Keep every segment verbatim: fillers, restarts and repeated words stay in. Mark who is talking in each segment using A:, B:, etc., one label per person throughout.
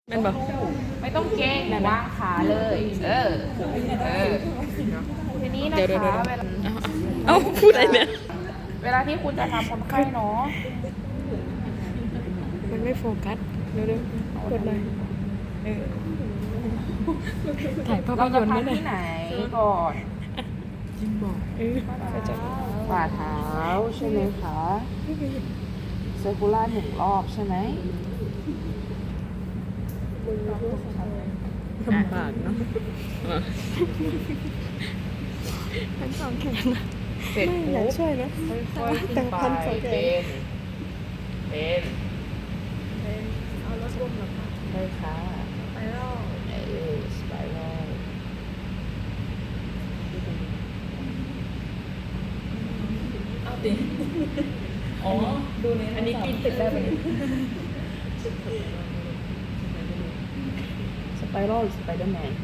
A: แม่นบอก
B: ไม่ต้องเก่งวางขาเลย เออ เออ ทีนี้นะ
A: เดี๋ยวเดี๋ยว
B: คะ
A: เดี๋ยว
B: เวลา
A: เอ้าพูดอะไรเนี่ย
B: เวลาที่คุณจะทำคนไข้เนาะ
A: มันไม่โฟกัสเร็วๆกดหน่อยเออถ่ายภาพ
B: เรา
A: ย
B: จะ
A: นตร์ไหม
B: ทำ
A: เนี่ย
B: ที่ไหนก่อน
A: จิ้มบอกเออเข้าใจ
B: ฝ่าเท้าใช่ไหมคะเซอร์คูล่าหนึ่งรอบใช่ไหม
A: ลำบากเนาะทั้งสองแขนนะ
B: เสร็จ
A: ไม่อยาก
B: ปุ๊บ
A: ช่วยนะ
B: ค่อยๆขึ้น
A: แต่
B: ไป
A: พันสองแข
B: เป็น น เป็น
A: เอารถร่วมหรอคะ
B: ใช่ค่ะ
A: ไปรอบ
B: เออสไปรัล
A: เอาดิอ๋อดูในอันนี้ปีนตึกได้ไหม
B: สไปรัลหรือสไปเดอร์แมน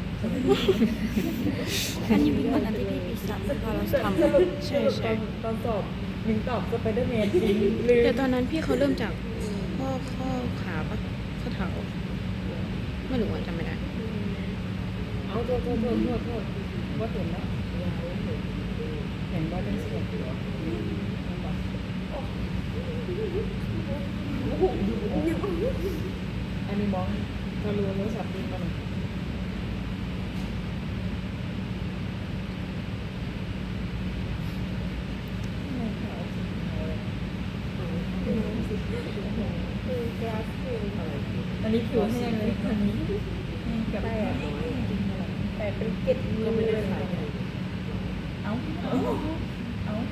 C: อันนี้เป็นวันนั้นที่พี่ปีสามพอเราทำ
A: ใช่ใช่ตอนสอบมิงตอบสไปเดอร์แมนจริงลืม
C: แต่ตอนนั้นพี่เขาเริ่มจากข้อข้อขาปะข้อเท้าไม่รู้ว่าจำไม่ได้
A: เอาโทษโทษโทษโทษโทษว่าเห็นแล้วเห็นว่าเป็นเสียงเหรออันนี้มองทะลุโทรศัพท์ดีมาหน่อยอันนี้ผิวแห้งเลยอันนี้แห้งกับแต่แต่เป็นเกล็ดก็ไม่ได้ขายเอ้าเอ้าเอ้า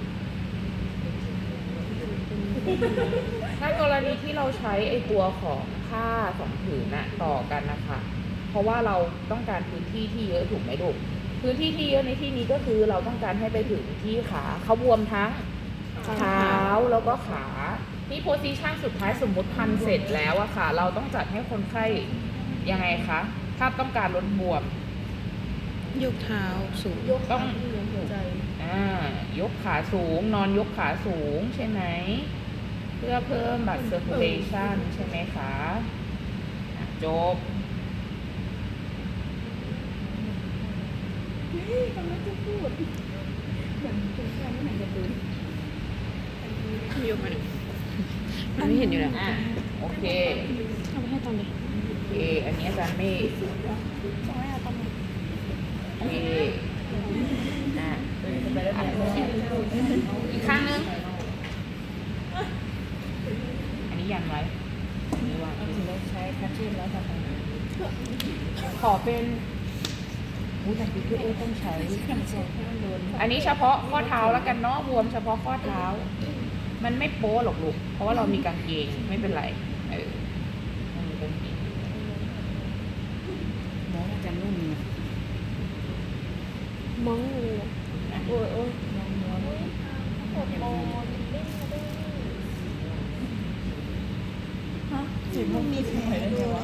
B: ถ้ากรณีที่เราใช้ไอตัวของผ้าสองผืนน่ะต่อกันนะคะ เพราะว่าเราต้องการพื้นที่ที่เยอะถูกไหมลูกพื้นที่ที่เยอะในที่นี้ก็คือเราต้องการให้ไปถึงที่ขาเขาบวมทั้งเท้าแล้วก็ขาที่โพซิชันสุดท้ายสมมติพันเสร็จแล้วอะค่ะ เราต้องจัดให้คนไข้ยังไงคะถ้าต้องการลดบวม
C: ยกเท้าสูง
B: ต้องอ่ายกขาสูง นอนยกขาสูงใช่ไหมเพื่อเพิ่มบัตร circulation ใช่ไหมคะอ่ะจบ
C: ยกมาหน่อยมันไม่เห็นอยู่แล้ว
B: อ่ะ โอเค
C: เอาไปให้ตอนเลย
B: โอเค อันนี้อาจารย์ไม่โอเคอ่ะอ่ะอีกข้างนึง อันนี้ยันไว้อันนี้วาง
A: เราใช้คัชชิ่นแล้วทำไง
B: ขอเป็นอู้แต่คือเอต้องใช้ อันนี้เฉพาะข้อเท้าแล้วกันเนาะบวมเฉพาะข้อเท้า มันไม่โป๊หรอกลูก เพราะว่าเรามีกางเกงไม่เป็นไร เออมันมีกางเกง
A: น้องอาจารย์นุ่มเนี่ย
C: มองเลยอ่ะ
B: นะ
A: โอ้ยโอ้ยน้องน้องมันมีแผลด้วยวะ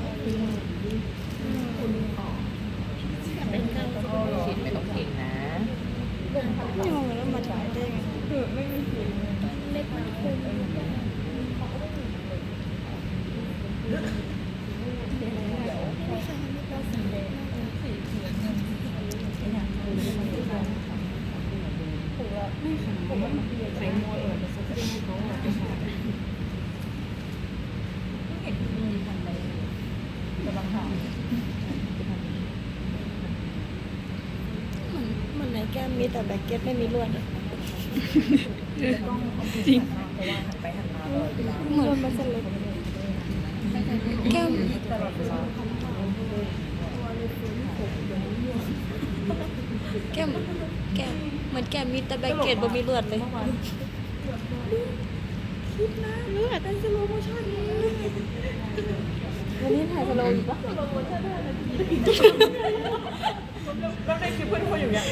B: ฉีดไม่ต้องเก่งนะ
C: ไม่มองแล้วมาถ่ายได้ไง
A: ไม่มีเสียง
C: เล็กมันคุ้ม
A: ใส่มวยเออจะซักเสื้อให้เขาอ่ะจะขาดเห็นมีทำอะไรกำลังหา
C: เหมือนในแก้มมีแต่แบ็กเก็ตไม่มีลวดอะ
A: จริงเพราะว่าหันไปหันมาตลอดเวลา
C: เหมือนมันสล็แก้ม
A: ตลอดเวลา
C: แก้มแก้มเหมือนแก้มมีแต่แบ็กเก็ตบ่มีลวดเลย
A: คิดนะเลือดเป็นสโลโมชั่นเลยวันนี้ถ่ายสโลอยู่ปะสโลโมชั่นได้นาทีแล้วในคลิปเพื่อนคนอยู่อย่าง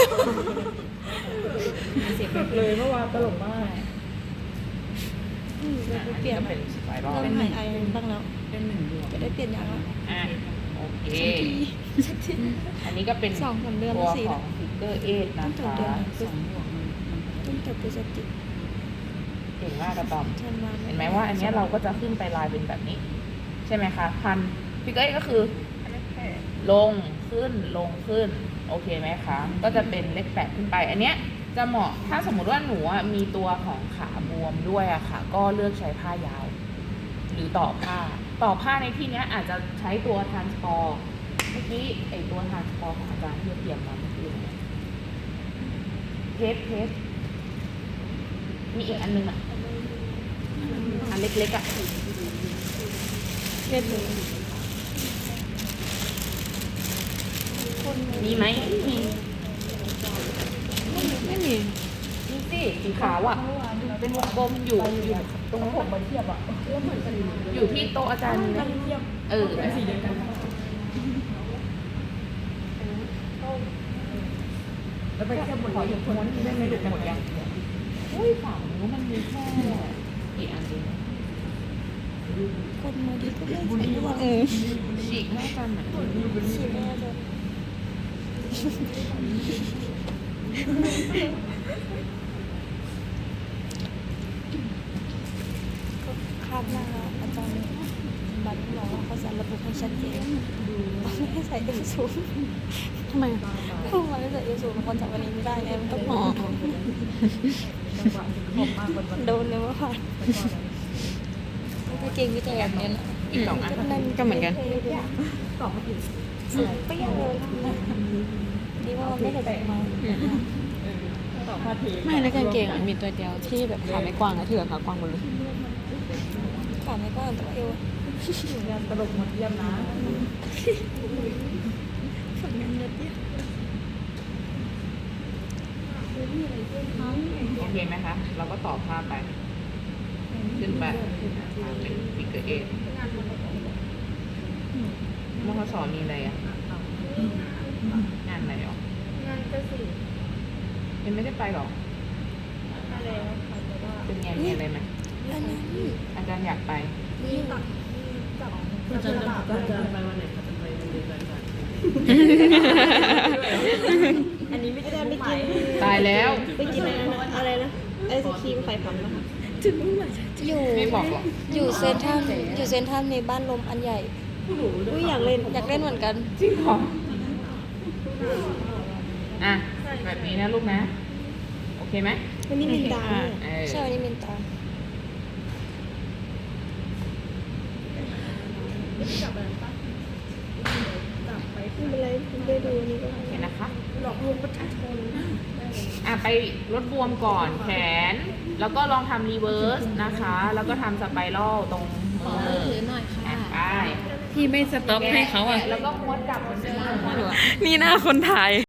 A: เสียงเลยเมื่อวานตลกมาก
C: อืมเราเปลี่ยน
B: อัเป็นสไปรัล
C: เริ่มหายไอบ้างแล้ว
A: เป็นหนึ่งดวง
C: จะได้เปลี่ยนยางแล้ว
B: อ่ะ โอเค อันนี้ก็เป็น
C: สองสามเดือน
B: ตัว
C: สี่
B: ของฟิกเกอร์เอทนะ
C: ต้องจบ
B: คะ
C: เดือน
A: สองดวงมัน
C: ตั้งแต่พฤศจิก
B: เก่งมากกระตอม
C: ธันวา
B: เห็นไหมว่าอันเนี้ยเราก็จะขึ้นไปลายเป็นแบบนี้
C: อ
B: ใช่ไหมคะพันฟิกเกอร์เอทก็คือลงขึ้นลงขึ้นโอเคไหมคะก็จะเป็นเลขแปดขึ้นไปอันเนี้ยจะเหมาะถ้าสมมุติว่าหนูอะมีตัวของขาบวมด้วยอะค่ะก็เลือกใช้ผ้ายาว หรือต่อผ้าต่อผ้าในที่เนี้ยอาจจะใช้ตัวทรานสปอร์เมื่อกี้ไอตัวทรานสปอร์ของอาจารย์ที่เตรียมมาเมื่อกี้เนี่ยเทปเทปมีอีกอันนึงอ่ะอันเล็กๆอ่ะ
C: เล่นเลย
B: มีไหมมี
C: ไม่มี
B: มีสิสีขาวอ่ะเป็นวงกลมอยู่อยู่ตรง
A: ผ
B: นู้
A: ม
B: น
A: มาเทียบอ่ะแล้วเหมือนกัน
B: อยู่ที่โต๊ะอาจารย์มีไหม
A: เทียบ
B: เออ
A: สีเดียวกันแล้วไปเทียบหมด
B: ขอหยุดม้วนได้ไหมลูกหมดยังอุ้ยฝั่งนู้นมันมีแค่กี่อันเอง
C: คนมาดีก็ไม่ใช่เออ
B: ฉีกแม่กันอ่ะ
C: ฉีดแม่จะคาดหน้าอาจารย์บัตรบอกว่าเขาจะระบุให้ชัดเจนไม่ให้ใส่เอวสูงทำไมเพราะมันไม่ใส่เอวสูงคนจากวันนี้ไม่ได้ไงมันต้องหมอ
A: จังหวะผมมากกว่าวัน
C: โดนเลยว่าผ่านก็เก่งวิจัยแบบนี้นะ
B: อีกสองอัน
C: นั่นก็เหมือนกัน
A: ตอบมาถึง
C: เปรี้ยวเลยดีว่ามันไม่ได้แตกมา
A: ตอบมาถึง
C: ไม่แล้วกางเกงอ่ะมีตัวเดียวที่แบบขาไม่กว้างอะที่เหลือขากว้างหมดเลยขาไม่กว้างแต่ว่าเอว
A: งานตลกหมดเยี่ยมนะ
C: ผลงานเยอะเนี่ย
B: โอเคไหมคะ เราก็ต่อผ้าไป ขึ้นไปเป็นฟิกเกอร์เอทมขสมีอะไรอ่ะ งานอะไรหรอ
C: งานก็สิ
B: ยังไม่ได้ไปหรอ
C: มาแล้วค่ะแต่ว่า
B: เป็นไงมีอะไรไหม
C: อันนั้น
B: อาจารย์อยากไป
C: นี่ตัดจับ
A: ก็จะก็จะไปวันไหนก็จะไปวันเดียวกันอันนี้ไม่ได้ไม่กิน
B: ตายแล้ว
C: ไปกินอะไรนะอะไรนะไอศครีมไข่พันนะคะถึงอยู่
B: ไม่บอกหรอก
C: อยู่เซนทรัลอยู่เซนทรัลมีบ้านลมอันใหญ่อุ้ยอยากเล่นอยากเล่นเหมือนกัน
B: จริงเหรอ อ่ะ แบบนี้นะลูกนะ โอเคไหม
C: วันนี้มินตา
B: เออ
C: ใช่วันนี้มินตาไม่เป็นไรได้ดูนี่ก็
B: โอเคนะคะ
C: หลอกลวงประชาชน
B: อ่ะไปลดบวมก่อนแขน แล้วก็ลองทำรีเวิร์สนะคะ แล้วก็ทำสไปรัลตรงมือ
C: ถือหน่อยค่ะ
B: อ่ะไป
C: พี่ไม่สต็อปให้เขาอ่ะ
B: แล้วก็ม้วนกลับเหมือนเดิม
C: นี่หน้าคนถ่าย